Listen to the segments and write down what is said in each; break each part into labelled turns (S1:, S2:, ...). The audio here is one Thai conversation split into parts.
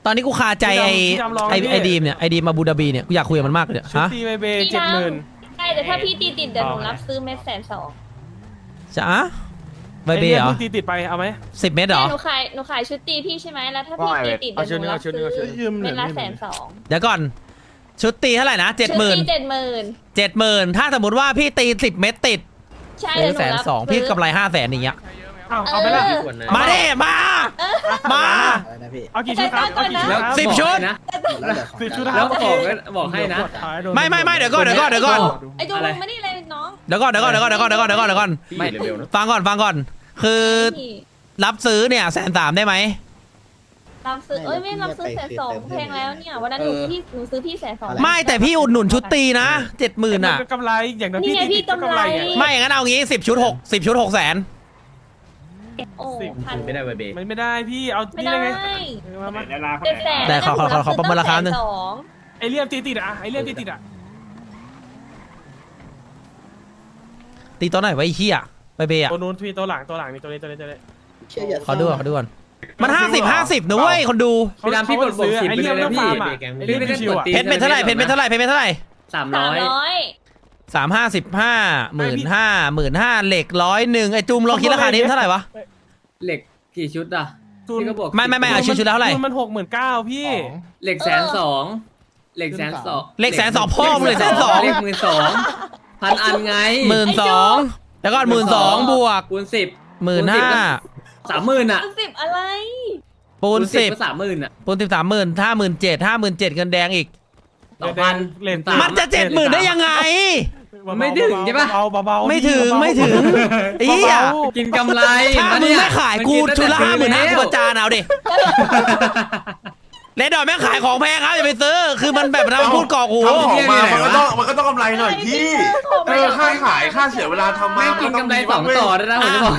S1: ตอนนี้กูคาใจไอดีมเนี่ยไอดีมมาบูดาบีเนี่ยกูอยากคุยกับมันมากเลยเนี่ย
S2: ชุด
S1: ฮะ
S2: ตีเบเบ70,000
S3: ใช่แต่ถ้าพี่ตีติดเดี๋ยวหนูรับซื้อเม็ด120,000
S1: จะอะใบเบย์เหรอ
S2: ตีติดไปเอาไหม
S1: 10 เม็ดเหรอ
S3: หนูขายชุดตีพี่ใช่ไหมแล้วถ้าพี่ตีติดเดี๋ยวหนูรับซื้อเม็ดละ120,000
S1: เดี๋ยวก่อนชุดตีเท่าไหร่นะ
S3: ชุดตี
S1: 70,000 70,000ถ้าสมมติว่าพี่ตี10 เม็ดติด
S3: ใช่
S1: เดื
S3: เดี๋
S1: อย
S3: วน หนูรับ
S1: 120,000พี่กำไร500,000อย่างเงี้ย
S2: เอาไปละ
S1: มาดิมามา
S2: เอากี่ชุดครับเอากี่ชุดครับ
S1: 10 ชุด
S2: 10 ชุดค
S4: แล้
S2: รั
S4: ว
S2: บ
S4: บอกให้นะ
S1: ไม่เดี๋ยวก่อน
S3: ไอ้จูลงมานี่เลยน้อง
S1: เดี๋ยวก่อน
S4: ไม่เร็วๆนะ
S1: ฟังก่อนคือรับซื้อเนี่ย130,000ได้ไหม
S3: รับซื้อไม่รับซื้อ120,000แพงแล้วเนี่ยวันนั้นหนูซื้อพี่120,000
S1: ไม่แต่พี่อุดหนุนชุดตีนะ 70,000อ่ะ
S2: กำไรอย่างนั้น
S3: นี่ไงพี่กำไร
S1: ไม่อย่างนั้นเอางี้10 ชุด10 ชุด600,000
S3: โอ้พัน
S4: ไม่ได้ใบเบ
S2: ไม่ได้พี่เอา
S3: ไม่
S2: นี่
S3: ได้
S2: ได้ไง
S3: 700,000
S1: แต่ขอประเมินราคาหนึ่ง
S2: ไอเลี่ยมตีติดอ่ะไอเลี่ยมตีติดอ่ะ
S1: ตีตัวไหนไว้ไอ้เหี้ยใบเบย์อ่ะ
S2: ตัวนู้นพี่ตัวหลังนี่ตัวนี้
S1: ขอดูก่อนมัน50นะเว้ยคนดู
S4: พี่ดำพี่กดซื้อไอเลี่ยมแล้วพี่พี่ไม่ได้กดตี
S1: เพชรเป็นเท่าไหร่เพชรเป็นเท่าไหร่
S4: 300
S1: 355 15,000 เหล็ก101ไอ้จุมลองคิดราคานี้เท่าไหร่วะ
S4: เหล็กกี่ชุดอ่ะพี่ก็บอก
S1: ไม่เอาชุดแล้วเท่าไหร่
S2: มัน69,000พี่
S4: เหล็ก120,000เหล็ก120,000
S1: เหล็ก120,000พ่อมึงเลย120,000
S4: เหล็ก12,000พันอันไง
S1: 12,000แล้วก็12,000บวก
S4: คูณ10
S1: 15,000
S4: 30,000อ่ะ
S3: 10อะไร
S1: ปูน
S4: ก็
S1: 10
S4: 30,000อ่ะ
S1: ปูน10 30,000 57,000 เงินแดงอีก
S2: เลน
S1: มันจะ70,000ได้ยังไง
S4: ไม่ถึงใช่ปะ
S2: เบาๆ
S1: ไม่ถึงเหี้ย
S4: กินกำไร
S1: ถ้ามึงไม่ขายกูชุดละ55,000กูประจานเอาดิเลดดอยแม่งขายของแพงครับอย่าไปซื้อคือมันแบบเราพูดกอกหู
S5: ทำของมามันก็ต้องกำไรหน่อยพี่ค่าขายค่าเสียเวลาทำมา
S4: แม่งกินกำไร2ต่อได้นะผมจะบอก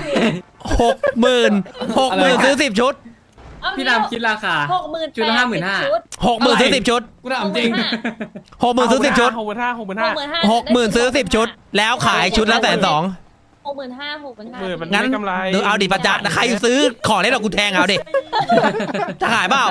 S1: 60,000ซื้อ10 ชุด
S4: พี่ดำคิดราคา
S3: 60,000
S4: ชุดละ55,000
S1: 60,000ซื้อ10 ชุด
S4: กูถามจริง
S1: 60,000ซื้อ10 ชุด
S2: 65,000
S1: ซื้อ10 ชุด แล้วขายชุดละ120,000
S3: 65,000
S2: มัน
S1: งั้น
S2: ไม่กำไร
S1: เอาดิประจานใครซื้อของเล่นหรอกกูแทงเอาดิจะขายเปล่า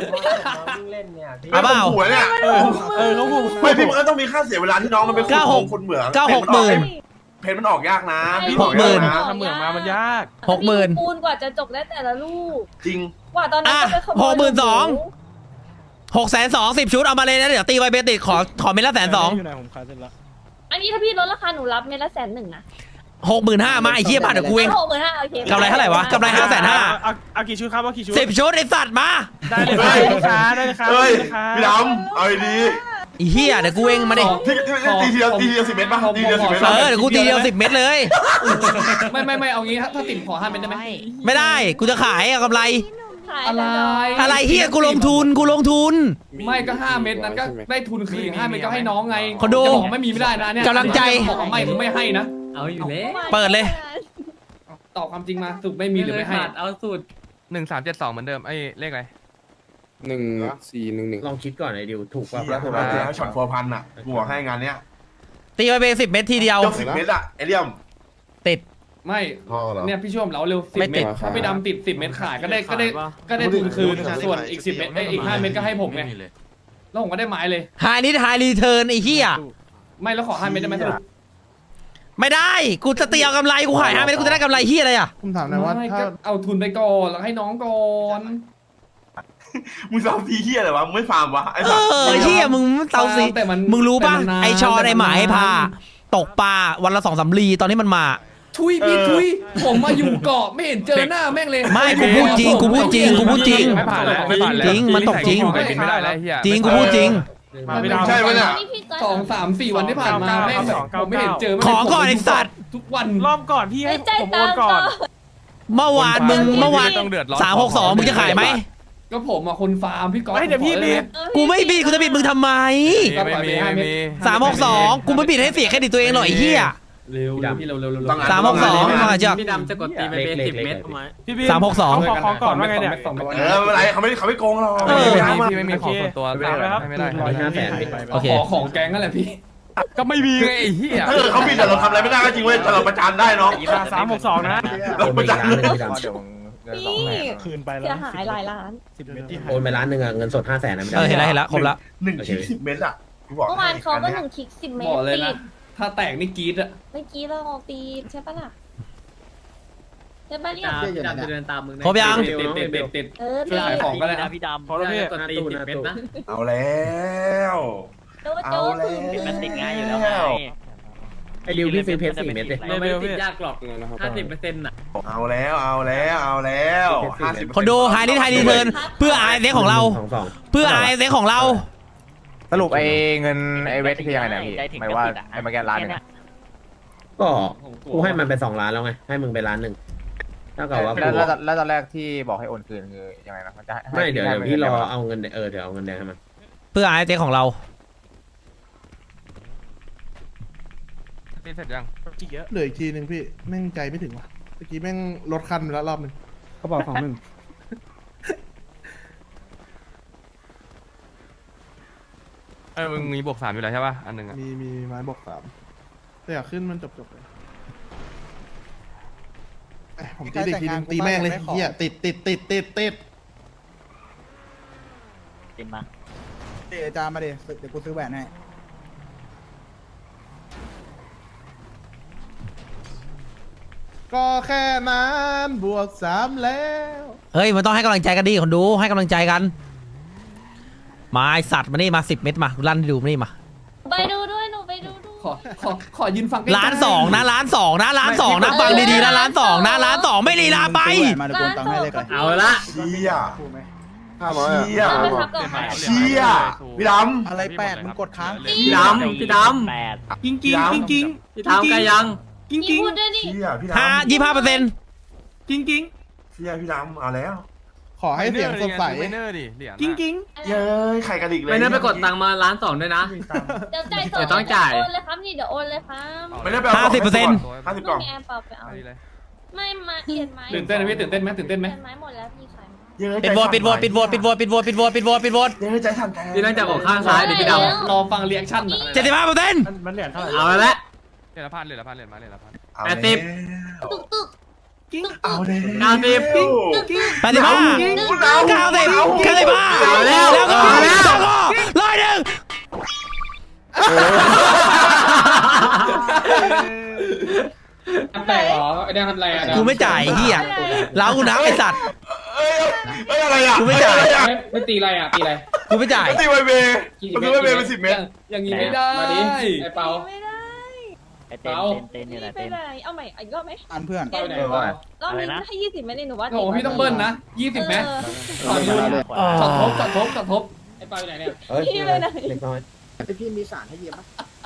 S1: เอาเปล่า
S5: หัวเนี่ย
S2: เขาพูด
S5: ไม่พี่มันก็ต้องมีค่าเสียเวลาที่น้องมันเป็นคนเหมือง เพนมันออกยากนะพี่
S2: ทำเหมืองมามันยาก
S1: 60,000
S3: ปูนกว่าจะจบได้แต่ละลูก
S5: จริง
S3: กว่าตอนนั้นจะไปขโมย
S1: 620,000 10 ชุดเอามาเลยนะเดี๋ยวตีไวเบติดขอเม็ดละ120,000
S2: อยู่ไหนผมขายเสร็จแล้ว
S3: อันนี้ถ้าพี่ลดราคาหนูรับเม็ดละ110,000นะ
S1: 65,000มาไอ้เหี้ยบ้านเดี๋ยวกูเอง
S3: 65,000โอเค
S1: กำไรเท่าไหร่วะกำไร550,000
S2: เอากี่ชุดครับเอากี่ชุด
S1: 10 ชุดไอ้สัตว์มา
S2: ได้เลยครับได้เลยครับ
S5: เฮ้ยพี่ดำเอาดี
S1: ไอ้เหี้ยเดี๋ยวกูเองมาดิ
S5: ที่ตีเดียว10 เมตรป่ะตีเดียว10 เมตร
S1: เดี๋ยวกูตีเดียว10 เม็ดเลย
S4: ไม่เอางี้ถ้าติ่มขอ5 เม็ดได้ไหม
S1: ไม่ได้กูจะขายเอากำไร
S4: อะไร
S1: อะไรเฮียกูลงทุน
S4: ไม่ก็5 เม็ดนั้นก็ได้ทุนคืน5 เม็ดก็ให้น้องไง
S1: คนดู
S4: จะบอกไม่มีไม่ได้นะเนี่ย
S1: กำลังใจ
S4: บอกว่าไม่คือไม่ให้นะเอาอยู่แล้ว
S1: เปิดเลย
S4: ตอบความจริงมาสุดไม่มีหรือไม่ให้เอาสุด
S6: 1372เหมือนเดิมไอ้เลขอะไร
S7: 1411
S4: ลองคิดก่อนไอ้ดิวถูกป่ะ
S5: แล้วถูกแล้วช็อต4,000อ่ะกูบอกให้งานเนี้ย
S1: ตีไวเบ10 เม็ดทีเดียว
S5: ยก10 เมตรอ่ะไอเลี่ยม
S1: ติด
S4: ไม่
S7: พ่อเหรอ
S4: เนี่ยพี่ช่วมเราเร็ว
S1: ไม่
S4: 10 เม็
S1: ติ
S4: ด
S1: ด
S4: ถ้าพี่ดำติด10 เม็ดขายก็ได้ทุนคืนส่วนอีก10 เม็ดอีก5 เม็ดก็ให้ผมไงแล้วผมก็ได้ไม้เลย
S1: ไฮนิดไฮรีเทิร์นไอ้เหี้ย
S4: ไม่แล้วขอ5 เม็ดได้ไหมสรุป
S1: ไม่ได้กูจะตีเอากำไรกูขาย5 เม็ดกูจะได้กำไรเหี้ยอะไรอ่ะ
S7: ผมถามหน่อยว่า
S4: ไม่
S7: ถ้า
S4: ก็เอาทุนไปก่อนแล้วให้น้องก่อน
S5: มึงซ้อมทีเฮียอะไรวะมึงไม่ฟาร์มวะไอ้
S1: เออเหี้ยมึงเตาสิ
S4: แต่มัน
S1: มึงรู้ป่ะ
S4: แต่มันนาน
S1: ไอชอไอหมาไอพาตกปลาวันละ2-3 ลีตอนนี้มันมา
S4: ทุยพี่ทุยผมมาอยู่เกาะไม่เห็นเจอหน้าแม่งเลย
S1: ไม่กูพูดจริง
S6: ไม่ผ่านแล้วไม่ผ่านแล้ว
S1: จริงมันตกจริง
S6: ไปบินไม่ได้แล้วเฮีย
S1: จริงกูพูดจริง
S2: มาไม่ได้
S5: ใช่ไหมเนี่ย
S4: 2 3 4 วันที่ผ่านมาแม่งแบบผมไม่เห็นเจอ
S1: ขอก่อนไอ้สัตว์
S4: ทุกวัน
S2: รอบก่อนพี่ให้ผมโอนก่อน
S1: เมื่อวานมึง362มึงจะขายไหม
S4: ก็ผมอ่ะคนฟาร์มพี่ก๊อฟ
S2: ไม่เดี๋ยวพี่บิด
S1: กูไม่บิดกูจะบิดมึงทำไม
S6: ไม่มี
S1: 362กูไม่บิดให้เสียเครดิตตัวเองหน่อยไอ้เหี้ย
S4: เร็วพี่เร็ว
S1: 362มาจาก
S4: พี่ดำจะกดตีไปเป็น10 เม็ด
S2: พี่บิด
S1: 362
S2: ขอก่อนว่าไงเนี่ย
S5: ไม่เป็นไรเขาไม่โกงหรอก
S6: พี่ไม่มีของส่วนตัวไม่ได้
S1: โอเค
S4: ขอของแก๊งนั่นแหละพี่
S6: ก็ไม่มีไงไอ้เหี้ย
S5: ถ้าเกิดเขาผิดแต่เราทำอะไรไม่ได้ก็จริงเว้ยแต่เราประจานได้น้อง
S2: 362นะ
S5: เราประจานเลย
S6: เดี๋ยว
S3: พี่
S2: คืนไปแล้ว
S3: เสียหายหลายล้าน
S2: 10 เมตรที่หาย
S7: โอนไปล้านหนึ่งอะเงินสด500,000นะไม่
S1: เอ
S7: ได้
S1: อเห็นแล้วครบละ
S5: 1 คลิป 10 เมตรอ่ะกูบอก
S3: เมื่อวานเขาก็1 คลิก 10 เมต
S4: บ
S3: ร
S4: อกเลย
S3: ติ
S4: นะ
S3: ด
S4: ถ้าแตกนี่กรี๊ดอะ
S3: เมื่อกี้เราตีใช่ปะล่ะใช่ปะเนี่ย
S8: พี่ดำจะเดินตามมึง
S1: ครบยัง
S4: ติด
S3: เออ
S4: ช่วยขายของก็ได้นะ
S8: พี่ดำ
S2: พอแล้วพี่
S8: ตอนตี10 เมตรนะ
S5: เอาแล้ว
S3: โจ๊กโจ๊กคือ
S8: มันติดง่ายอยู่แล้วไง
S7: ไอ้ดิวพี่ซื้อเพชร4 เม็ดเลย
S8: ไม่ได้ติดยากหรอก50%น่ะ
S5: เอาแล้ว50
S1: คนดูไฮดิไฮดีเทิร์นเพื่อไอเซ็กของเรา
S7: 2
S1: เพื่อไอเซ็กของเรา
S6: สรุปไอ้เงินไอ้เวทคือยังไงเนี่ยพี่หมายว่าไอ้มาแกนล้านหนึ่งอะ
S7: ก็กูให้มันไป2 ล้านแล้วไงให้มึงไปล้านหนึ่งเท่ากับว่า
S6: แล้วตอนแรกที่บอกให้โอนคืนคือยังไงนะมันจะให้
S7: ไม่เดี๋ยวพี่รอเอาเงินเดี๋ยวเอาเงินแดงให้มัน
S1: เพื่อไอเซ็กของเรา
S6: ตีเสร็จยัง
S2: จีเยอะ
S9: เหลืออีกทีหนึ่งพี่แม่งใจไม่ถึงว่ะเมื่อกี้แม่งลดคันไปแล้วรอบหนึ่ง
S2: กระเป๋า21
S6: มึงมีบวก3อยู่แล้วใช่ป่ะอันหนึ่งอะ
S9: มีไม้บอก3แต่อยากขึ้นมันจบเลยผมตีอีกทีหนึงตีแม่งเลยเฮียติด
S8: ติดมา
S9: เดี๋ยวจามาเดี๋ยวกูซื้อแหวนให้ก็แค่นั้นบวก3แล้ว
S1: เฮ้ยมันต้องให้กำลังใจกันดิคนดูให้กำลังใจกันมาไอสัตว์มานี่มา10 เม็ดมาลั่นให้ดูมานี่มา
S3: ไปดูด้วยหนูไปดูด้วย
S4: ขอยืนฟังใกล้ๆ
S1: ล้านสองนะล้านสองนะล้านสองนะฟังดีๆนะล้านสองนะล้านสองไม่ลีลาไป
S9: มาเดี๋ยวกูตังค์ให้เลยก่อน
S8: เอาละ
S5: เชี่ย
S9: ถูกไหม
S5: เชี่ย
S3: เอาไปทับกับใคร
S5: เชี่ยพี่ดำ
S9: อะไร8มึงกดค้าง
S8: พี่ดำ
S2: จริง
S5: พี่ดำ
S2: จริง
S8: พี่ทำกันยัง
S2: จริง
S3: พี่พูดด้วยดิ
S5: เชี่ยพี่ดำ
S2: จริง
S5: เชี่ยพี่ดำเอาแล้ว
S9: ขอให้เสียงสดใส
S6: ไมเนอร์ดิเหรียญ
S2: จริง
S5: เย้ยไข่กระดิกเลย
S8: ไม่ได้ไปกดตังค์มาล้าน2ด้วยนะ
S3: เดี๋ยวจ่ายสด
S8: เดี๋ยวต้องจ่าย
S3: โอนเลยครับนี่เดี๋ยวโอนเลยครับ
S5: ไม่ได้ไปเอา
S1: 50%
S5: 50
S3: ลู
S5: กล่อก ง
S3: มีแอร์เปล่าไปเอา
S6: ไปเลย
S3: ไม่มาเอียนไหม
S4: ตื่นเต้นไหมพี่ตื่นเต้นไหม
S3: เอียนไหมหมดแล้วพี่ขาย
S5: เย้ย
S1: ปิดโหวตปิดโหวตปิดโหวตปิดโหวตปิดโหวตปิดโหวตปิดโหวตปิดโหวต
S5: เย้ยใจสั่นแทน
S8: พี่ต้องจับออกข้างซ้ายเดี๋ยวพี่ดำ
S4: รอฟังเรีแอคชั่น
S1: 75%
S2: มันเหรียญเท่าไหร่
S8: เอาละ
S6: เหรียญละพันเหรียญละพันเหรียญมาเหรียญละพัน
S5: เอา
S8: แป
S5: แล้ว
S8: ดสิบ
S5: เอาแล้ว
S1: 85 90 95แล้วก็100
S4: แตกเหรอไอ้แดงทำไรอ่ะ
S1: กูไม่จ่ายเฮียเล้ากูนับไอสัตว์
S5: เอ้ยอะไรอ่ะ
S1: กูไม่จ่าย
S4: ไม่ตีอะไรอ่ะตีอะไร
S1: กูไม่จ่าย
S5: ตีไวเบย์มันคือไวเบย์เป็น10 เมตร
S4: อย่างนี้ไม่ได้มาดิไอ้เปา
S3: ไม่ได้
S8: ไอเต้นอยู่ไหน
S3: นี่ไป
S8: เต้น
S3: ไหนเอาใหม่อีกรอบไหม
S9: อันเพื่อน
S4: เปาไหนวะ
S3: รอบนี้ให้20ไหมเนี่ยหนูว่า
S4: โอ้โหพี่ต้องเบิ้ลนะ20ไหมขอดูช็อตทบไอ้เปาอยู่ไหนเนี่ย
S3: พี่ไปไหน
S7: เล็กน้อย
S9: พี่มีสารให้เยี่ยมปะ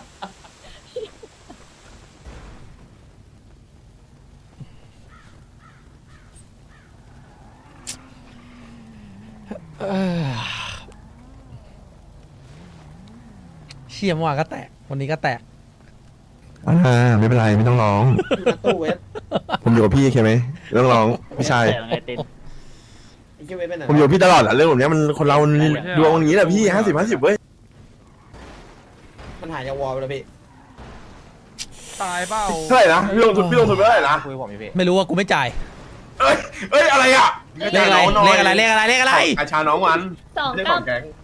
S1: เชี่ยเมื่อวานก็แตกวันนี้ก็แตก
S10: ไม่เป็นไรไม่ต้องร้อง
S7: ตู้เวท
S10: ผมอยู่กับพี่ใช่ไหมไม่ต้องร้องพี่ชาย
S8: ไอเต้น
S7: ไอ้เหี้ยเวทไปไหน
S10: ผมอยู่กับพี่ตลอดอะเรื่องแบบเนี้ยมันคนเราดวงอย่างนี้แหละพี่50-50เว้ย
S7: มันหายจากวอลไปแล้วพี่
S6: ตายเปล่า
S5: เท่าไหร่นะพี่ลงทุนไปเท่าไหร่นะ
S6: คุยผมอยู่พี่
S1: ไม่รู้ว่ากูไม่จ่าย
S5: เอ้ยอะไรอ่ะ
S1: เลขอะไรเลขอะไรเลขอะไรเลขอะไร
S5: อาชาน้องมัน
S3: 2
S5: ไม่ได้ของแก๊ง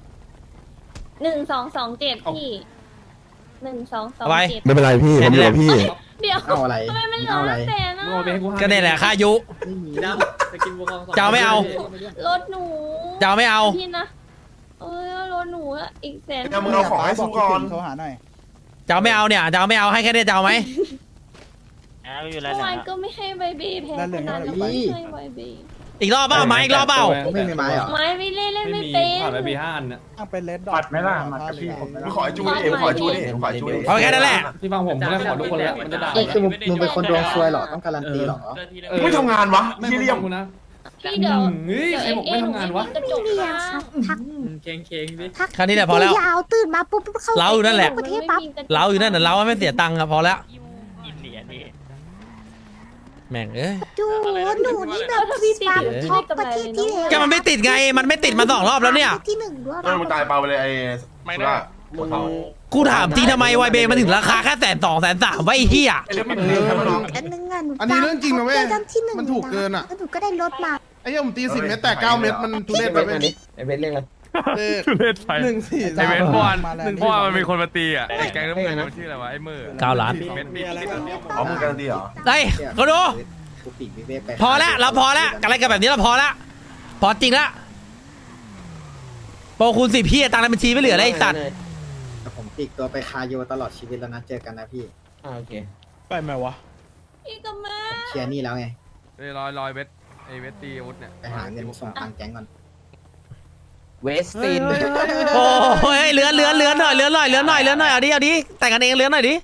S3: 1227พี่1227
S10: ไม่เป็นไรพี่ผมอยู่กับพี่
S3: เดี๋ยว
S9: เอาอะไร
S3: ทำไมมันล้านแต่นะ
S4: โง่ไปให้กู
S1: ก็เนี่ยแหละค่ายุ
S8: พี่ดำไปกินบัวทอง
S1: จะเอาไม่เอา
S3: รถหนู
S1: จะเอาไม่เอา
S3: พี่นะเอ้ยรถหนูอะอีกแสน
S5: เดี๋ยวมึงเอาของให้สู้ก่อน
S9: โทรหาหน่อย
S1: จะเอาไม่เอาเนี่ยจะเอาไม่เอาให้แค่นี้จะเอาไหม
S8: อยู่
S3: เมื่อวานก็ไม่ให้ใบเบย์แพ้ขนาดนั้นแล้วก็ให้ใบเบย์
S1: อีกรอบเปล่าไหมอีกรอบเปล่า
S9: ไม่มีไม้เหรอ
S3: ไม้ไม่เล่น
S4: ไม่
S3: ไม่
S4: มี
S3: เป็น
S4: ผ่านไปปี5อันน่ะ
S9: ตั้งเป็นเลดดอ
S2: ปั
S9: ท
S2: ดไหมล่ะมากับพี่ผม
S5: ขอไอ้จูนี่ขอไอ้จูนี่ขอไอ้จูนี่
S1: เอาแค่นั้นแหละ
S4: พี่ฟังผมจะได้ขอทุกคนแล้วมันจะด่า
S9: คือมึงเป็นคนดวงซวยเหรอต้องการันตีเหรอ
S5: ไม่ทำงานวะ
S4: ไม่
S5: ที่เรียม
S4: กูนะ
S3: พี่เดี๋ยว
S4: เฮ้ยใครบอกไม่ทำงานวะ
S3: กระจกค่ะ
S8: เค้งดิ
S1: แค่นี้แหละพอแล้ว
S11: ยาวตื่นมาปุ๊บเข้า
S1: เราอยู่นั่นแหละ
S11: ประเทศปั๊บ
S1: เราอยู่นั่นน่ะเราไม่เสียตังค์อะพอแล้ว
S8: กินเหรียญนี่
S1: แม่งเอ้ย
S11: ดูหนูนี่แบบตามท็อปประเทศที่แล้ว
S1: ก็มันไม่ติดไงมันไม่ติดมา2 รอบแล้วเนี่ย
S11: ที่1ด้วย
S5: มึงตายเปล่าไปเลยไอ้สุรา
S7: มึง
S1: กูถามจริงทำไมไวเบมันถึงราคาแค่120,000 130,000ไว้ไอ้เหี้ย
S5: ไอ้เรื่องมันมีครับน้อง
S11: อันนึงอ่ะหนู
S9: อันนี้เรื่องจริงนะเว้ย
S11: ได้ที่หนึ่ง
S9: มันถูกเกินอะ
S11: แล้วหนูก็ได้รถมา
S9: ไอ้เหี้ยผมตี10 เมตรแต่9 เมตรมันทุเรศไปไหม
S7: ไอเบสเรียกอะไร
S2: ทุเรศไป
S9: หนึ่งสี่
S2: ไอเวท
S9: สาม
S2: เมื่อวาน
S9: มาแล้ว
S2: เมื่อวานมันมีคนมาตีอ่ะไอ้แก๊งน้ำเงินมันชื่ออะไรวะไอ้มือ
S1: 9 ล้าน
S2: เม็ดมี
S5: อ๋อมึงการันตีเหรอ
S1: เฮ้ยก็ดูพอแล้วเราพอแล้วอะไรกันแบบนี้เราพอแล้วพอจริงแล้วโปรคูณ10พี่ตังค์ในบัญชีไม่เหลือแล้วไอ้สัตว์
S7: ผมติดตัวไปคาโยตลอดชีวิตแล้วนะเจอกันนะพี่โอเค
S2: ไปไหมวะ
S3: พี่กับแม่
S7: เคลียร์นี่แล้วไง
S2: ลอยเวทไอเวทตีอาวุธเนี่ย
S7: ไปหาเงินส่งตังค์แก๊งก่อน
S6: เวสติน
S1: โอ้ยเหลือหน่อยเอาดิแต่งกันเองเหลือหน่อยดิ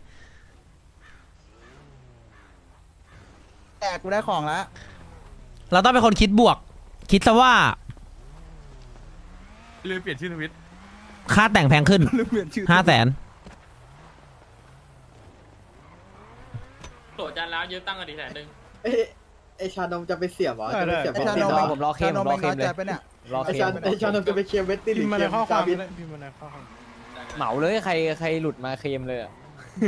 S9: แต่กูได้ของแล้ว
S1: เราต้องเป็นคนคิดบวก คิดซะว่า
S2: ลืมเปลี่ยนชื่อทวิต
S1: ค่าแต่งแพงขึ้น 500,000
S8: โตจานแล้วยืมตั้งกันดี100,000
S7: ไอชานมจะไปเสียบเหรอจะไปเสียบ
S9: ไอ้ชานม
S6: ผมรอเคมผมรอเคมเลย
S7: ไอชานมจะไปเคลียร์เวสตินห
S2: พิ
S7: รื
S2: ม
S7: อ
S2: พ์มา
S7: เค
S2: ใน
S7: ลียร์
S2: ข้อความ
S7: จาวิท
S2: พิมพ์มาในข้อความ
S6: เหมาเลยใครหลุดมาเคมเลยอะ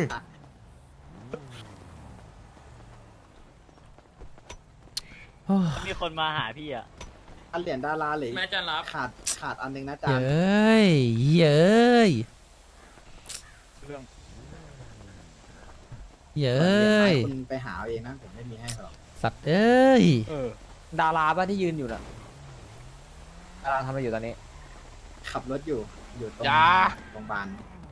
S8: มีคนมาหาพี่อ่ะ
S7: อันเหรียญดาราเหลย
S8: แม่จานรับ
S7: ขาดอันนึงนะจา
S1: เย
S7: น
S1: ้ยเย้ยเย้ย
S7: คุณไปหาเอาเองนะผมไม่มีให้หรอก
S1: สัตว์เอ้ย
S6: ดาราป่ะที่ยืนอยู่น่ะดาราทำอะไรอยู่ตอนนี้
S7: ขับรถอยู่ตรงโรงพยาบาล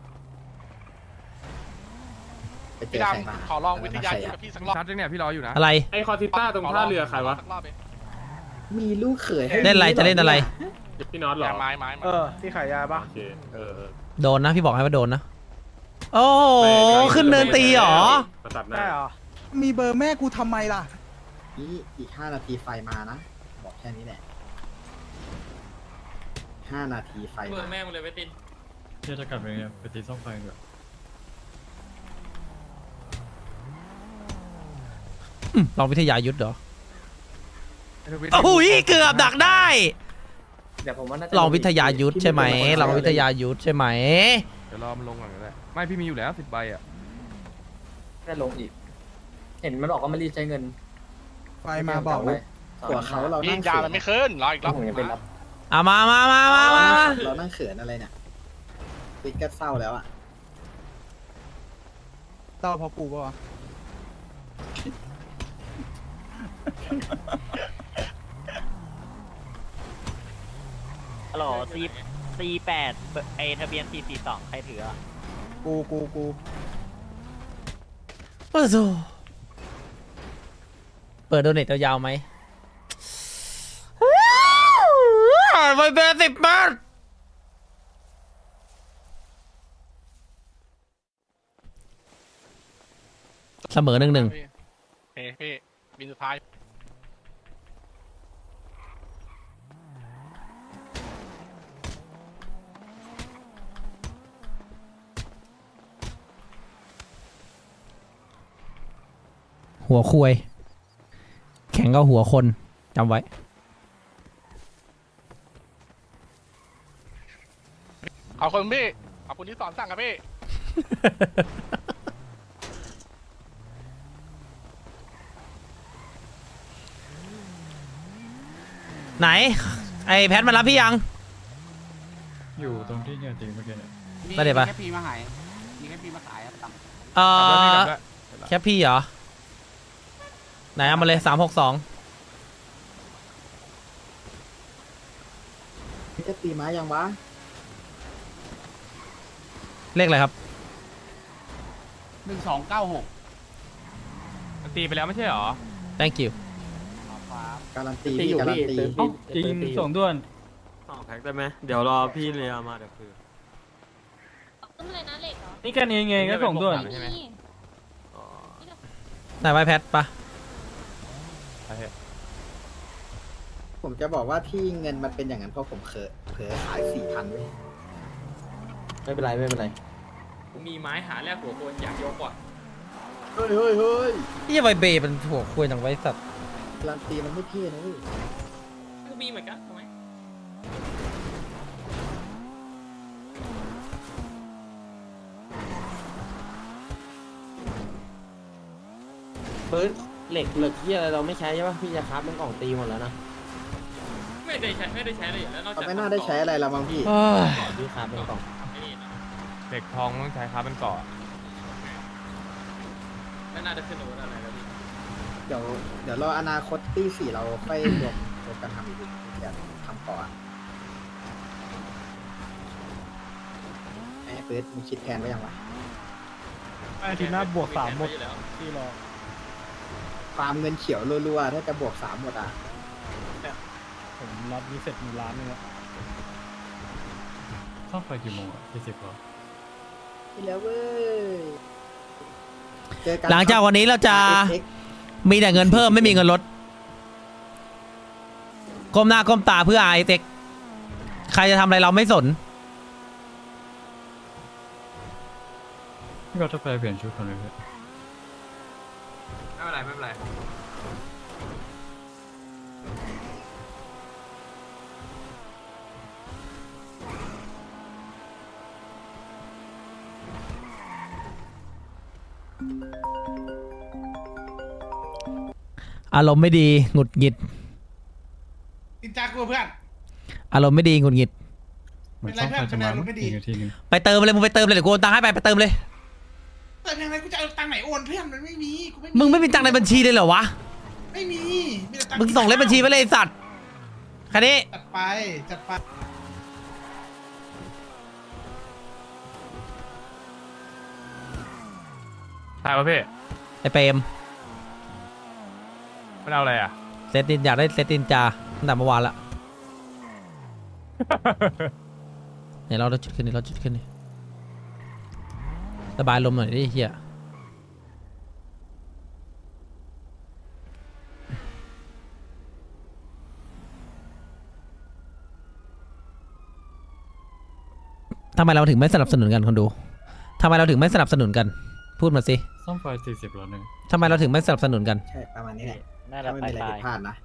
S7: ไปเจอใครมาขอลองวิทยายุทธ
S2: ชัดจังเนี่ยพี่รออยู่นะ
S1: อะไร
S2: ไอคอติต้าตรงท่าเรือใครวะ
S7: มีลูกเขยให้
S1: เล่นอะไรจะเล่นอะไร
S2: พี่น็อตหรอไม้ที่ขายยาป่ะเออ
S1: โดนนะพี่บอกให้ว่าโดนนะ โอ้โหขึ้นเนินตีเหรอ
S2: ประตัดหน้า
S9: มีเบอร์แม่กูทำไมล่ะ
S7: นี่อีก5 นาทีไฟมานะบอกแค่นี้แหละ5 นาทีไฟ
S8: เบอ
S7: มา
S8: ร์แม่มึงเลยเวติน
S2: จะกลับไปไงไปตีซ่อมไฟเหรอ
S1: ลองวิทยายุทธเหรอโอ้ยเกือบดักได้
S6: เดี๋ยวผมว่าน่าจะ
S1: ลองวิทยายุทธใช่ไหมลองวิทยายุทธใช่ไหม
S2: เดี๋ยวรอมันลงก่อนก็ได้ไม่พี่มีอยู่แล้ว10 ใบอ่ะ
S6: ได้ลงอีก เห็นมันบอกว่ามันรีบใช้เงิน
S9: ไฟมาบอกเลย
S7: ตัวเขาเรานั่งเขิน
S6: ไม่ขึ้นรออีกรอบผมยังเป็นรับ
S1: อ่ะมา
S7: เรานั่งเขินอะไรเนี่ยปิดก็เศร้าแล้วอ่ะ
S9: เต้าพอกูปะวะ
S8: ฮัลโหลC8ไอทะเบียน442ใครถืออ่ะ
S9: กู
S1: โอ้โหเปิดโดเนทยาวๆไหมไปเบอร์10 บาทเสมอ1-1
S8: พี่บินสุดท้าย
S1: หัวคุยแข่งก็หัวคนจำไว้
S8: ขอบคุณพี่ขอบคุณที่สอนสั่งครับพี่
S1: ไหน ไอแพทมารับพี่ยัง
S2: อยู่ตรงที่เนี่ยจริงเมื่อกี้เนี่ย
S1: ได้เดี๋ยวปะ
S8: มีแค่พีมาขายมีแค่พีมาขายครับ
S1: แค่พี่เหรอ ไหนเอามาเลย362
S7: จะตีไม้ยังวะ
S1: เลขอะไรครับ
S8: 1296
S2: ตีไปแล้วไม่ใช่หรอ
S1: thank you
S7: การันตีพี่การันตี
S2: จริงส่งด้วน
S8: แพ็คได้ไหมเดี๋ยวรอพี่เรียมาเดี๋ยวคือ
S3: ต้นอะไรนะเหล็กเหรอ
S2: นี่กันเองไงก็ส่งด้วน
S3: ไม่มี
S1: ไหนไว้แพทปะ
S7: ผมจะบอกว่าที่เงินมันเป็นอย่างนั้นเพราะผมเผลอขาย 4,000ไว้
S6: ไม่เป็นไร
S8: มีไม้หาแลกหัวโคนอยากยกว่ะ
S7: เฮ้ย
S1: นี่ไวเบย์มันหัวคุยจังไว้สัตว์
S7: การันตีมันไม่เท่นะเว้ย
S8: ก็มีเหมือนกันทำไม
S1: อ
S8: ปืนเหล็กที่อะไรเราไม่ใช้ใช่ป่ะพี่จะครับมันกล่องตีหมดแล้วนะไม่ได้ใช้เลยแล้วนอก
S7: เขา
S8: จาก
S7: ไม่น่าได้ใช้อะไรแล้วมั้งพี่
S1: เอ้ย
S8: พี่ครับเป็นกล่อง
S6: เด็กทองต้องใช้ค้าเป็นเกาะ
S8: ไม่น่าจะขึ้นอาวุธอะไรแล้วพี่
S7: เดี๋ยวรออนาคตตีสี่เราค่อยรวมกันทำอีกทีเดี๋ยวทำก่อนไอ้เฟิร์สมึงคิดแทนไว้ยังวะ
S2: อาทิตย์หน้าบวก3หมดที่รอ
S7: ฟาร์มเงินเขียวรัวๆถ้าจะบวก3หมดอ่ะ
S2: ผมรับนี้เสร็จมีล้านนึงแล้ว
S6: ต้องไปกี่โมงอ่ะ20เหรอ
S7: ไปแล้วเว้ยเจอกัน
S1: หลังจากวันนี้เราจะ
S7: RSX
S1: มีแต่เงินเพิ่มไม่มีเงินลดก้มหน้าก้มตาเพื่อไอเต็กใครจะทำอะไรเราไม่สน
S6: พี่ก็จะไปเปลี่ยนชุดก่อนเลย
S8: ไม่เป็นไร
S1: อารมณ์ไม่ดีหงุดหงิด
S9: อินจากกูเพื่อน
S1: อารมณ์ไม่ดีหงุดหงิด
S6: เหมือนต้องการจะมาอีกทีนึง
S1: ไปเติมเลยมึงไปเติมเลยเดี๋ยวกูโอนตังค์ให้ไปเติมเลย
S9: แต่ยังไงกูจะเอาตังค์ไหนโอนเพื่อนมันไม่มีกู
S1: มึงไม่มีตังค์ในบัญชีเลยเหรอวะ
S9: ไม่มีแต่ตังค์
S1: มึงส่งเลขบัญชีไปเลยไอ้สัตว์แค่นี้
S9: จัดไปจัดไป
S6: ถ่ายวะพี่
S1: ไอเปรม
S6: มันเอาอะไรอ่ะ
S1: เซตตินอยากได้เซตตินจาตั้งแต่เมื่อวานละ เนี่ยเราจุดขึ้นนี่เราจุดขึ้นนี่ระบายลมหน่อยดิเฮียทำไมเราถึงไม่สนับสนุนกันคนดูทำไมเราถึงไม่สนับสนุนกัน พูดมาสิ
S6: ซ่อมไฟ40แล้วนึง
S1: ทำไมเราถึงไม่สนับสนุนกัน
S7: ใช่ประมาณนี้แหละ
S8: น่าจะ
S7: ถ้าไม่
S8: ไป
S7: มีอะไรผิดพลาดนะ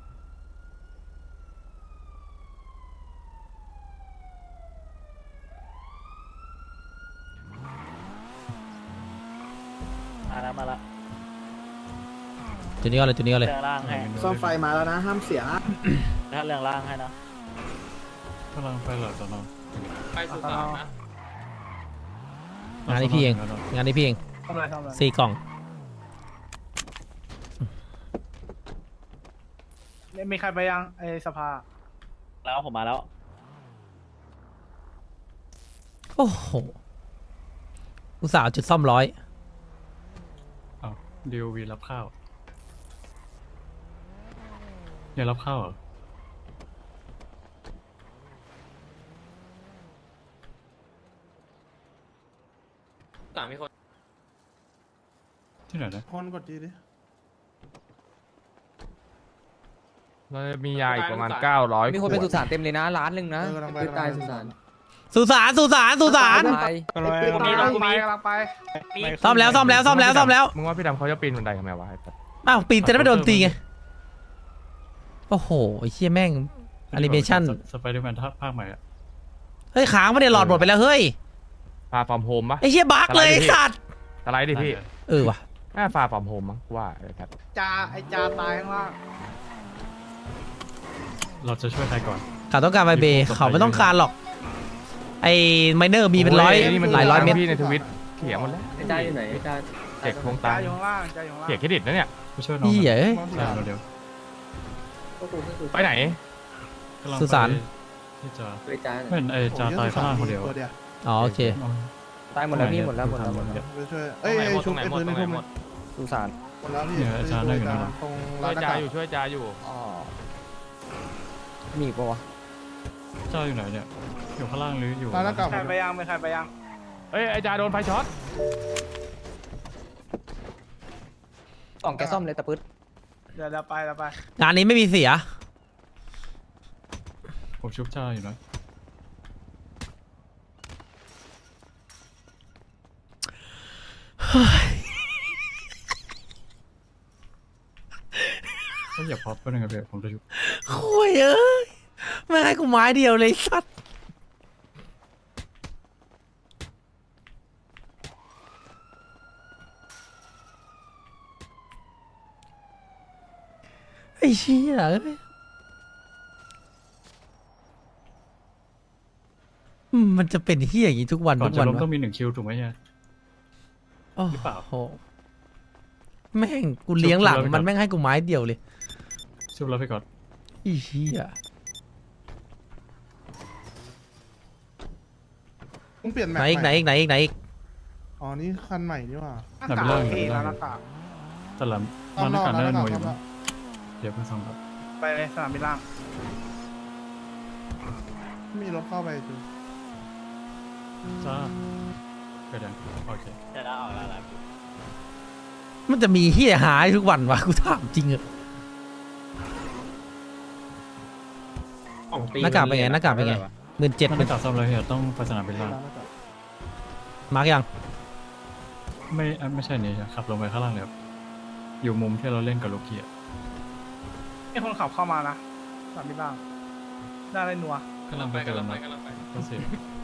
S8: มาละ
S1: จุดนี้ก็เลยจุดนี้ก็เลย
S8: เรื่องล่างให้
S7: ซ่อมไฟมาแล้วนะห้ามเสียนะ
S8: ถ้าเรื่องล่างให้นะ
S6: กำลังไปหลังตอนนอน
S8: ไปสุสานนะ
S1: งานนี้พี่เองงานนี้พี่เอง
S2: ทำอะไรทำอะไร
S1: 4 กล่อง
S2: มีใครไปยังไอสภา
S8: แล้วผมมาแล้ว
S1: โอ้โหอุตส่าห์เอาจุดซ่อม100
S6: อ้าวดิววีรับข้าวยังรับข้าวเหรอ
S8: ต่างมีคน
S6: ที่ไหนนะ
S9: คนกดดีดิ
S6: เรามียาอีกประมาณ900
S12: มีคนไปสุสานเต็มเลยนะล้านหนึ่งนะ
S9: ไปตายสุสาน
S1: สุสานสุสานสุสาน
S12: ไป
S2: กำลังไป
S1: ซ่อมแล้วซ่อมแล้วซ่อมแล้วซ่อมแล้ว
S6: มึงว่าพี่ดำเขาจะปีนบันไดทำไมวะไอ้สัส
S1: อ้าวปีนจะได้ไม่โดนตีไงโอ้โหไอ้เชี่ยแม่งแอนิเมชั่น
S6: สไปเดอร์แมนภาคใหม่อะ
S1: เฮ้ยค้างไม่ได้หลอดหมดไปแล้วเฮ้ย
S6: ฟาฟอร์มโฮมปะ
S1: ไอ้เชี่ยบั๊กเลยไอ้สัตว์
S6: สไลด์ดิพี่
S1: เออว่ะ
S6: น่าฟาฟอร์มโฮมมั้งว่าไอ้ครับ
S2: จาตายข้างล่าง
S6: เราจะช่วยใครก่อน
S1: เขาต้องการไวเบย์เขาไม่ต้องการหรอกไอ้ไมเนอร์มีเป็นร้อย
S6: นี่มัน
S1: หลายร้อยเม็ด
S6: พี่ในทวิตเขียนหมดแล้ว
S12: ได้อยู่ไหนได้
S6: เจ็กทวงตา
S2: จาอยู่ข้างล่างจาอยู่ข้างล่าง
S6: เขียนเครดิตนะเนี่ยไปช่วยน้อง
S1: พี่เอ้ย
S6: เร็วไปไหน
S1: สุสาน
S6: ที่จะ
S12: ไปจ้า
S6: ไม่เห็นไอ้จาตายข้างล่างคนเดียว
S9: ตัวเดียว
S1: อ๋อโอเค
S12: ตายหมดแล้วพี่หมดแล้วหมดแล้ว
S9: ไปช่วยเอ้ยชุบไอ้ปืนในทุ่มหมด
S12: สุสาน
S9: แล้วพี่ตรง
S6: ช่
S9: ร้า
S6: วย
S9: นหน้า
S6: จา
S9: ต่าง
S6: อยู่ช่วยจาอยู่
S12: อ๋อมีอีกปะวะ
S6: เจ้าอยู่ไหนเนี่ยอยู่ข้างล่างหรืออยู่
S9: ร้านหน้าต่าง
S2: ใครไปยังไม่ใครไปยัง
S6: เอ้ยไอ้จาโดนไฟช็อต
S12: กล่องแกซ่อมเลยตะปึ๊ด
S2: เดี๋ยวไป
S1: งานนี้ไม่มีเสีย
S6: ผมชุบจาอยู่นะก็อย่าพับไปหนึ่งครับเดี๋ยวผมจะชุบ
S1: โอ้ยเอ้ยไม่ให้กูไม้เดียวเลยสัตว์ไอ้เชี่ยเอ้ยมันจะเป็นเฮียอย่างนี้ทุกวัน
S2: ก่อ
S1: ทุ
S2: น
S1: ก
S2: จะ
S1: วัน
S2: ล้ม
S1: วะ
S2: ต้องมี1 คิวถูกไหมเนี่ย
S1: โอ้
S2: หรือเปล่า
S1: โหแม่งกูเลี้ยงหลัง
S2: ชุบแล้ว
S1: มันแม่งให้กูไม้เดียวเลย
S2: ชุบแล้วไปก่อน
S1: ไอ้เชี่ย
S9: ต้องเปลี่ยนแม
S1: ไหน
S9: ป
S1: อีกไหนอีกไหนอีกไหนอีก
S9: อ๋อนี่คันใหม่นี่หว่า
S2: หน้ากาก
S9: เท่
S2: แล้ว
S9: หน้ากาก
S2: แต่ละ
S9: ต้อ
S2: มันหน้ากาก
S9: ร
S2: น่า
S9: อ
S2: จะ
S9: บ
S2: หน่วย
S9: ร
S2: อ
S9: อบ
S2: ยู่
S9: รอบ
S2: เดี๋ยวเพิ่งส่งครับ
S9: ไปเลยสนามบินล่างมีรถเข้าไปจู
S2: จ้าไปเดี๋ยวโอเค
S8: จะได้ออกแล้ว
S1: มันจะมีเฮียหายทุกวันวะกูถามจริงเหรอหน้ากากเป็นไงหน้ากากเป็นไง17,000
S2: มันหน้ากากซ่อมแล้วเนี่ยต้องไปสนามบินล่าง
S1: มาร์กยัง
S2: ไม่ใช่นี่ขับลงไปข้างล่างเลยครับอยู่มุมที่เราเล่นกับโลกี้อะ
S9: ไอคนขับเข้ามานะสนามบินล่างได้ไรนัว
S2: กำลังไปต้องเสีย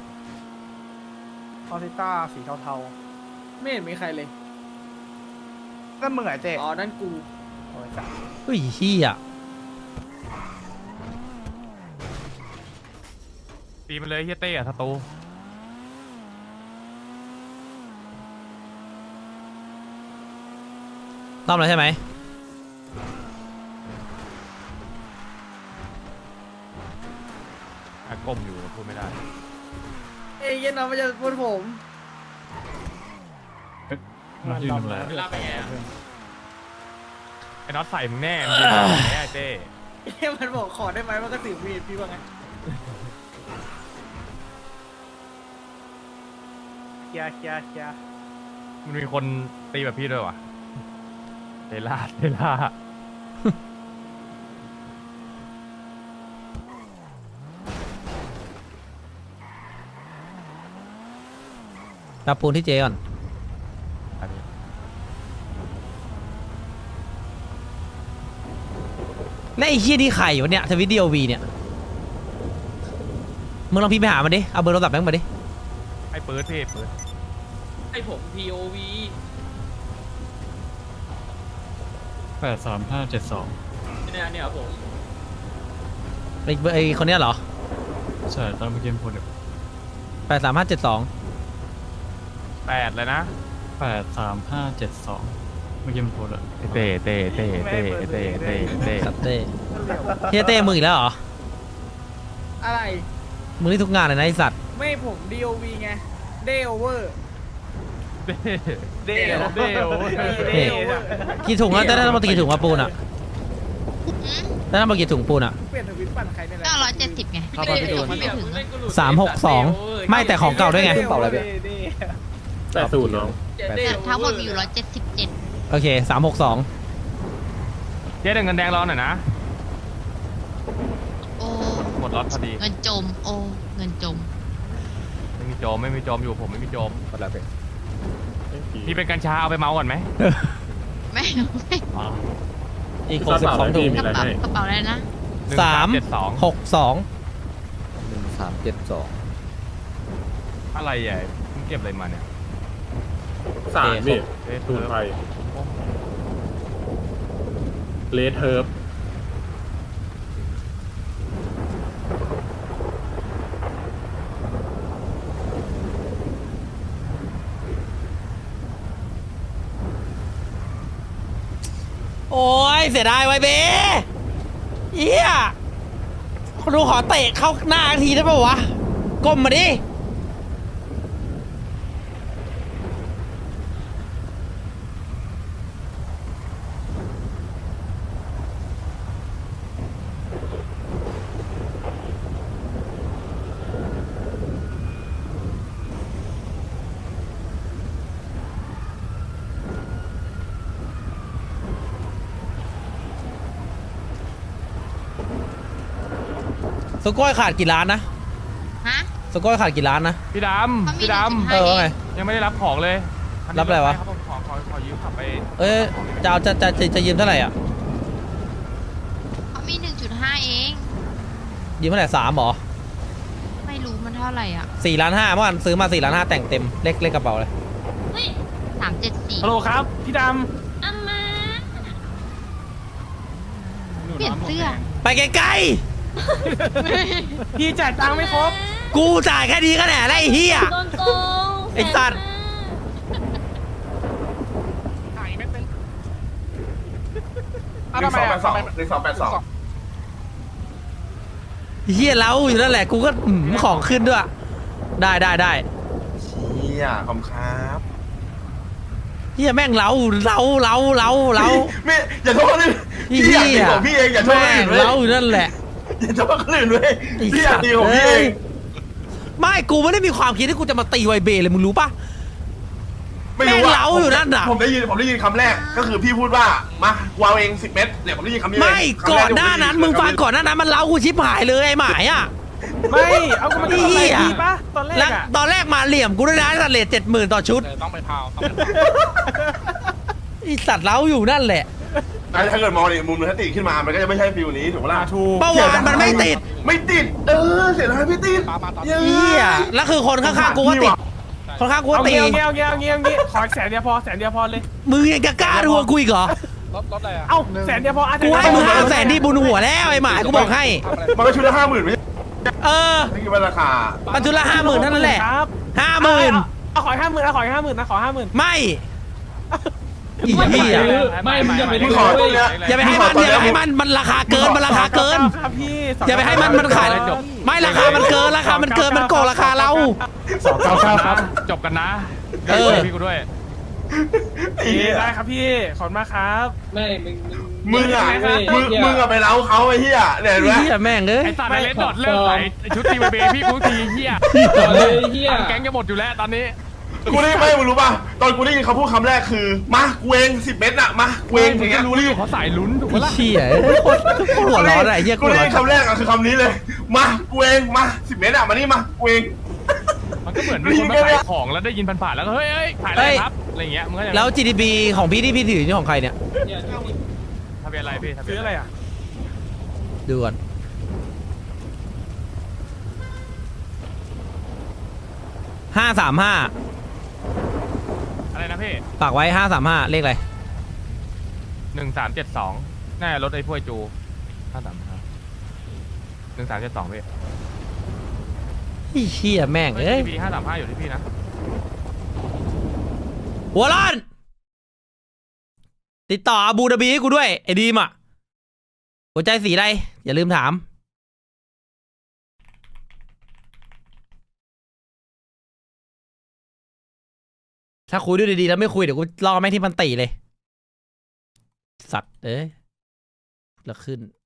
S9: ออซิต้าสีเทาๆไม่เห็นมีใครเลยนั่นมึงไงเจ๊อ๋อนั่นกูโอ้ยจ้ะ
S1: เฮ้ยเฮีย
S6: ตีมันเลยเฮียเต้อะสตู
S1: รอบแล้วใช่ไหม
S6: ก้มอยู่พูดไม่ได้
S9: เอ้ยยันน้องมาจะพูดผม
S2: มายืนทำอะไร
S6: ไอ้น็อตใส่มึงแน่มึงยืนแน่เต้
S9: มันบอกขอได้ไหมมันก็ถือมีดพี่ว่าไงเคลียร์
S6: มันมีคนตีแบบพี่ด้วยวะเทล่า
S1: รับปูนที่เจก่อน
S6: อันนี้
S1: และไอ้เฮียนี่ใครวะเนี่ยทวิตดีโอวีเนี่ยมึงลองพิมพ์ไปหามันดิเอาเบอร์โทรศัพท์แม่งมาดิ
S6: ไอ้ปื๊ดพี่ปื๊ด
S8: ไอผม POV
S2: 83572
S8: เนี่ยผม
S1: ไอ้คนเนี้ยเหรอ
S2: ใช่ตอนเมื่อกี้มันพูดแบบ
S1: 83572
S6: 8เลยนะ
S2: 83572เมื่อกี้มันพูดอะ
S6: เต้
S1: สัตว์เต้เฮียเต้มึงอีกแล้วเหรอ
S9: อะไร
S1: มึงนี่ทุกงานเลยนะไอสัตว์
S9: ไม่ผม DOV ไง Day Over
S6: เต้
S1: กี่ถุงอะได้ทั้งหมดกี่ถุงอะปูนอะได้ทั้งหมดกี่ถุงปูนอะ
S9: เปลี่ยนทวิตปั่นใครนี่แหละ
S3: 970ไง
S12: เข้าไปพี่ตูน
S3: ไม่ถึง
S1: 362ไม่แต่ของเก่าด้วยไง
S12: เป่าอะไรไป
S2: 80น้อง
S3: ทั้งหมดมีอยู่177
S1: โอเค362
S6: เจ๊เดินเงินแดงรอหน่อยนะ
S3: โอ้
S6: หมดล็อตพอดี
S3: เงินจมโอ้เงินจม
S6: ไม่มีโจมอยู่ผมไม่มีโจม
S12: หมดแล้วไป
S6: พี่เป็นกัญชาเอาไปเมาก่อนไหม
S3: ไม่
S1: อีก62ถุง
S3: กระเป๋าอะไรนะ
S1: 362
S12: 1372
S6: อะไรอ่ะมึงเก็บอะไรมาเนี่ย
S2: 3พี่
S6: ตูนไทย
S2: เลดเฮิร์บ
S1: โอ้ยเสียดายไว้เบ้เฮียคนดูขอเตะเข้าหน้าทีได้ป่าวะก้มมาดิสก้อยขาดกี่ล้านนะ
S3: ฮะ
S1: สก้อยขาดกี่ล้านนะ
S6: พี่ด
S3: เขามี
S6: ำพี่
S3: 1.5
S6: ด
S1: เออว่าไง
S6: ำยังไม่ได้รับของเลย
S1: รับอะไรวะ
S6: คบผมขอยืมขับไป
S1: เอ้ยจะยืมเท่าไหร่อ่ะ
S3: เขามี 1.5 เอง
S1: ยืมเท่าไหร่3หรอ
S3: ไม่รู้มันเท่าไหร่อ่ะ
S1: 4,500,000เมื่อวานซื้อมา4,500,000แต่งเต็มเลขกระเป๋าเลย
S3: เฮ้ย374
S6: ฮัลโหลครับพี่ด
S3: อามา
S6: ำ
S11: ลี่ยนเสื้อ
S1: ไปไกล
S9: พี่จ่ายตังค์ไม่ครบ
S1: ๆกูจ่ายแค่นี้ก็แหน่แล้วไอ้เหี้ย
S3: โดนโกง
S1: ไอ้สัตว์
S5: 1282
S1: เหี้ยเล้าอยู่นั่นแหละกูก็ของขึ้นด้วยได้
S5: เชี่ยขอบคุณครับ
S1: เหี้ยแม่งเล้า
S5: ไม่อย่าโทษคนอื่นพี่อยากตีของพี่เองอย่าโทษคน
S1: แม่
S5: อื่
S1: ง
S5: นเว้ย
S1: เล้าอยู่นั่นแหละ
S5: อย่าโทษคนอื่นเว้ย
S1: ไอ้
S5: พี่อยาก
S1: สัตว์
S5: ตีของพี่เอง
S1: ไม่กูไม่ได้มีความคิดที่กูจะมาตีไวเบเลยมึงรู้ปะ
S5: ไม่รู้
S1: แม่ง
S5: ว่า
S1: เล้าอยู่นั่นน่ะ
S5: ผมได้ยินคำแรกก็คือพี่พูดว่ามาวางเอง10 เม็ดเนี่ยผมได้ยินคำนี้เลย
S1: ไม่
S5: คำแร
S1: ก่อน
S5: ที่
S1: หน้านั้น
S5: ผ
S1: มึง
S5: ได้ยิ
S1: ฟังก่อนหน้านั้นมันเล้ากูชิบหายเลยไอ้หมายอ่ะ
S9: ไม่ เอาก็มันก็อะไรดีปะตอนแร
S1: แล้ว
S9: กอะ
S1: ตอนแรกมาเหลี่ยมกูด้วยนะตัดเลท70,000ต่อชุด
S12: ต้องไปพาว
S1: ไอสัตว์เล้าอยู่นั่นแหละ
S5: ถ้าเกิดมองในมุมนึงถ้าติดขึ้นมามันก็จะไม่ใช่ฟิลนี้ถูกปะล่ะ
S9: ถูก
S1: เมื่อวานมันไม่ติด
S5: ไม่ติดเสียดายพี่ติด
S1: เหี้ยแล้วคือคนข้างๆกูก็ติดคนข้างกูก็
S9: เอา
S1: ตี
S9: เงี้ยขอแสนเดียวพอเลย
S1: มึงยังจะกล้าทวงกูอีกเหรอ
S12: รถอะไรอ่ะ
S9: เอ้าแสนเดียวพอ
S1: กูให้มึง500,000ที่บุญหัวแล้วไอ้หมายกูบอกให้
S5: มันก็ชุดละ50,000ไม่ใช่
S1: เออ
S5: นี่คือราคา
S1: ปัจจุบัน50,000เท่านั้นแหละ
S9: ครับ
S1: 50,000
S9: เอาขอ50,000นะขอ50,000
S1: ไม่อีเหี้ย
S4: ไม่อย่าไป
S5: พี่ขอตรงเนี้ย
S1: อย่าไปให้มันมันราคาเกินมันราคาเกิน
S9: ครับพี่
S1: อย่าไปให้มันขายไม่ราคามันเกินมันโกงราคาเรา
S2: 299ครับจบกันนะ
S1: เออ
S2: พี่กูด้วย
S9: ได้ครับพี่ขอบคุณมากครับ
S4: ไม่มึง
S5: มึงอะไปเล้าเขาไอ้เหี้ยเนี่ยเห็นไหม
S1: เหี้ยแม่งเอ้ย
S2: ไอ้สัตว์ในเลนดอดเลิกใส่ชุดทีมเบพี่กูทีเฮีย
S4: ต่อเลยเฮีย
S2: แก๊งจะหมดอยู่แล้วตอนนี้
S5: กูได้ไม่มึงรู้ป่ะตอนกูได้ยินเขาพูดคำแรกคือมากูเอง10 เม็ดอะมากูเองอย่างเงี้ย
S2: รู้เลยเขาสายลุ้นถูก
S1: ไอ้
S2: ปะล่ะ
S1: เหี้ยโคตรหัวร้อนอะไอ้เหี้ย
S5: กูได้ยินคำแรกอะคือคำนี้เลยมากูเองมา10 เม็ดอะมานี่มากูเอง
S2: มันก็เหมือนมีคนมาขายของแล้วได้ยินผ่านๆแล้วก็เฮ้ยขายอะไรครับอะไรเงี้ยมึงก็จะ
S1: แล้ว GDP ของพี่ที่พี่ถือนี่ของใครเนี่ย
S2: ทะเบียนอะไรพี่ทะเบีย
S9: ซื้อน อะไรอ่ะ
S1: ดูก่อน535
S2: อะไรนะพี่
S1: ฝากไว้535เลขอะไร
S2: 1372น่าจะรถไอ้พวกจู535 1372พี่
S1: ไอ้เหี้ยแม่งเอ้ย
S2: ทีพี535อยู่ที่พี่นะ
S1: หัวร้อนติดต่ออาบูดาบีให้กูด้วยไอ้ดีมอ่ะหัวใจสีอะไรอย่าลืมถามถ้าคุยด้วยดีๆแล้วไม่คุยเดี๋ยวกูล่อแม่งที่มันตีเลยสัตว์เอ้ยแล้วขึ้น